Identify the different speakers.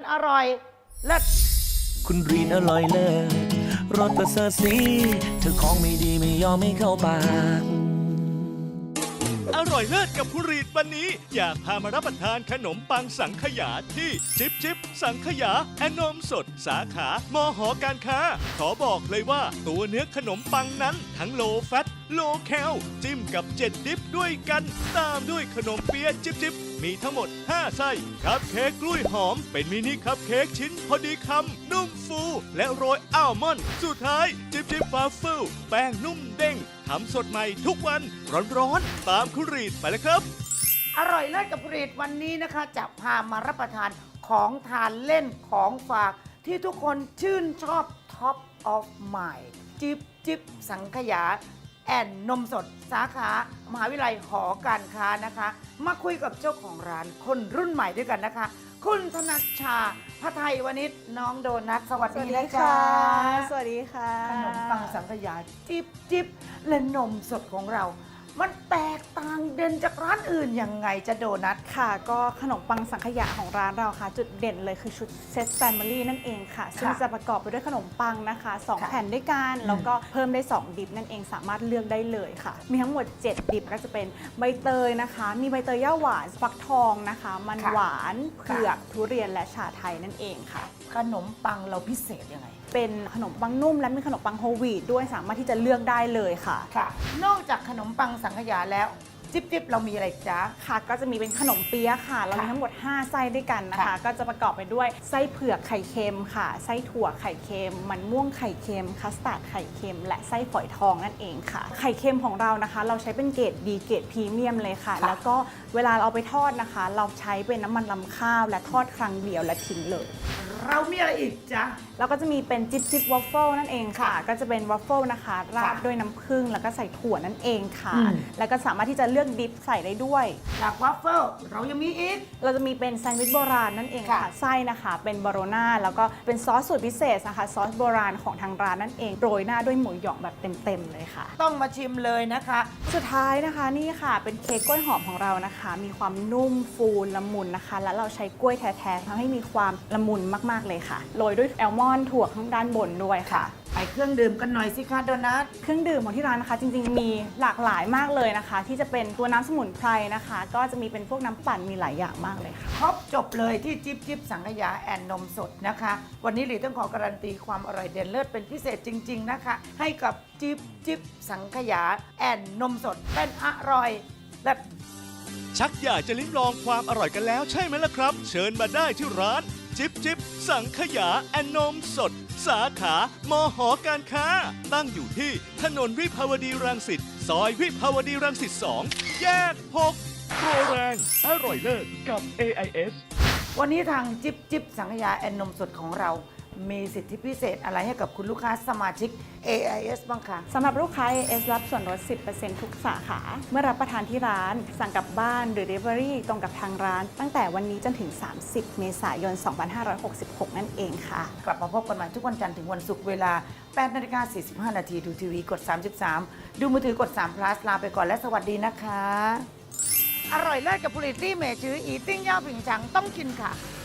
Speaker 1: อร่อยเลิศ
Speaker 2: คุณรีนอร่อยเลิศรสประเสริฐสีเธอของไม่ดีไม่ยอมไม่เข้าปาก
Speaker 3: อร่อยเลิศกับผู้รีดวันนี้อยากพามารับประทานขนมปังสังขยาที่จิ๊บสังขยาแอนมสดสาขามหอการค้าขอบอกเลยว่าตัวเนื้อขนมปังนั้นทั้งโลแฟตโลแคลจิ้มกับ7ดิฟด้วยกันตามด้วยขนมเปี๊ยะจิ๊บมีทั้งหมด5ไส้คัพเค้กกล้วยหอมเป็นมินิคัพเค้กชิ้นพอดีคำนุ่มฟูและโรยอัลมอนด์สุดท้ายจิ๊บวาฟเฟิลแป้งนุ่มเด้งทำสดใหม่ทุกวันร้อนๆตามคุณรีดไปเลยครับ
Speaker 1: อร่อยเลิศกับผลิตวันนี้นะคะจะพามารับประทานของทานเล่นของฝากที่ทุกคนชื่นชอบท็อปออฟไมล์จิ๊บสังขยาแอนนมสดสาขามหาวิทยาลัยหอการค้านะคะมาคุยกับเจ้าของร้านคนรุ่นใหม่ด้วยกันนะคะคุณธนัชชาพระไทยวณิชน้องโดนัทสวัสดีนะจ๊ะ
Speaker 4: สวัสดีค่ะ
Speaker 1: ขนมปังสังขยาจิ๊บและนมสดของเรา มันแตกต่างเด่นจากร้านอื่นยังไงจะโดนัท
Speaker 4: ค่ะก็ขนมปังสังขยาของร้านเราค่ะ จุดเด่นเลยคือชุดเซตแฟมิลี่นั่นเองค่ะ ซึ่งจะประกอบไปด้วยขนมปังนะคะ2แผ่นด้วยกันแล้วก็เพิ่มได้2ดิบนั่นเองสามารถเลือกได้เลยค่ะ มีทั้งหมด7ดิบก็จะเป็นใบเตยนะคะ มีใบเตยย่าหวานฟักทองนะคะ มันหวานเผือกทุเรียนและชาไทยนั่นเองค่ะ
Speaker 1: ขนมปังเราพิเศษยังไง
Speaker 4: เป็นขนมปังนุ่มและมีขนมปังโฮลวีตด้วยสามารถที่จะเลือกได้เลยค่ะ
Speaker 1: ค่ะ นอกจากขนมปังสังขยาแล้วจิ๊บเรามีอะไรจ๊ะ
Speaker 4: ค่ะก็จะมีเป็นขนมเปี๊ยะค่ะเรามีทั้งหมด5ไส้ด้วยกันนะคะ
Speaker 1: ค่ะ
Speaker 4: ก็จะประกอบไปด้วยไส้เผือกไข่เค็มค่ะไส้ถั่วไข่เค็มมันม่วงไข่เค็มคัสตาร์ดไข่เค็มและไส้ฝอยทองนั่นเองค่ะไข่เค็มของเรานะคะ เราใช้เป็นเกรดดีเกรดพรีเมียมเลยค่ะ แล้วก็เวลาเราเอาไปทอดนะคะ เราใช้เป็นน้ำมันลำข้าวและทอดครั้งเดียวและทิ้งเลย
Speaker 1: เรามีอะไรอีกจ๊ะ
Speaker 4: แล้วก็จะมีเป็นจิ๊บวอฟเฟิลนั่นเองค่ะ ก็จะเป็นวอฟเฟิลนะคะราดด้วยน้ำผึ้งแล้วก็ใส่ถั่วนั่นเองค่ะ แล้วก็สามารถที่จะเลือกดิปใส่ได้ด้วย
Speaker 1: จากวัฟเฟิลเรายังมีอีก
Speaker 4: เราจะมีเป็นแซนด์วิชโบราณนั่นเองค่ะ
Speaker 1: ค่ะ
Speaker 4: ไส้นะคะเป็นบาโรน่าแล้วก็เป็นซอสสูตรพิเศษนะคะซอสโบราณของทางร้านนั่นเองโรยหน้าด้วยหมูหยองแบบเต็มๆเลยค่ะ
Speaker 1: ต้องมาชิมเลยนะคะ
Speaker 4: สุดท้ายนะคะนี่ค่ะเป็นเค้กกล้วยหอมของเรานะคะ มีความนุ่มฟูละมุนนะคะ และเราใช้กล้วยแท้ๆทำให้มีความละมุนมากๆเลยค่ะโรยด้วยแอลมอนด์ถั่วข้างด้านบนด้วยค่ะ
Speaker 1: ไปเครื่องดื่มกันหน่อยสิคะโดนัท
Speaker 4: เครื่องดื่มของที่ร้านนะคะจริงๆมีหลากหลายมากเลยนะคะ ที่จะเป็นตัวน้ำสมุนไพรนะคะ ก็จะมีเป็นพวกน้ำปั่นมีหลายอย่างมากเลยค่ะ
Speaker 1: ครบจบเลยที่จิ๊บสังขยาแอนนมสดนะคะ วันนี้หลีต้องขอการันตีความอร่อยเด่นเลิศเป็นพิเศษจริง ๆนะคะ ให้กับจิ๊บสังขยาแอนนมสดเป็นอร่อยและ
Speaker 3: ชักอยากจะลิ้มลองความอร่อยกันแล้วใช่ไหมล่ะครับ เชิญมาได้ที่ร้านจิ๊บสังขยาแอนนมสด สาขามหอการค้า ตั้งอยู่ที่ถนนวิภาวดีรังสิตซอยวิภาวดีรังสิต2แยก6โปรแรงอร่อยเลิศกับ AIS
Speaker 1: วันนี้ทางจิ๊บสังขยาแอนนมสดของเรา มีสิทธิพิเศษอะไรให้กับคุณลูกค้าสมาชิก AIS บ้างคะ
Speaker 4: สำหรับลูกค้า AS รับส่วนลด 10% ทุกสาขา เมื่อรับประทานที่ร้าน สั่งกลับบ้านหรือ Delivery ตรงกับทางร้าน ตั้งแต่วันนี้จนถึง 30 เมษายน 2566 นั่นเองค่ะ
Speaker 1: กลับมาพบกันใหม่ทุกวันจันทร์ถึงวันศุกร์เวลา 8:45 น.ดูทีวีกด 33 ดูมือถือกด3 plus ลาไปก่อนและสวัสดีนะคะ อร่อยเลิศกับผลิตที่เมจืออีติ้งย่าผิงฉังต้องกินค่ะ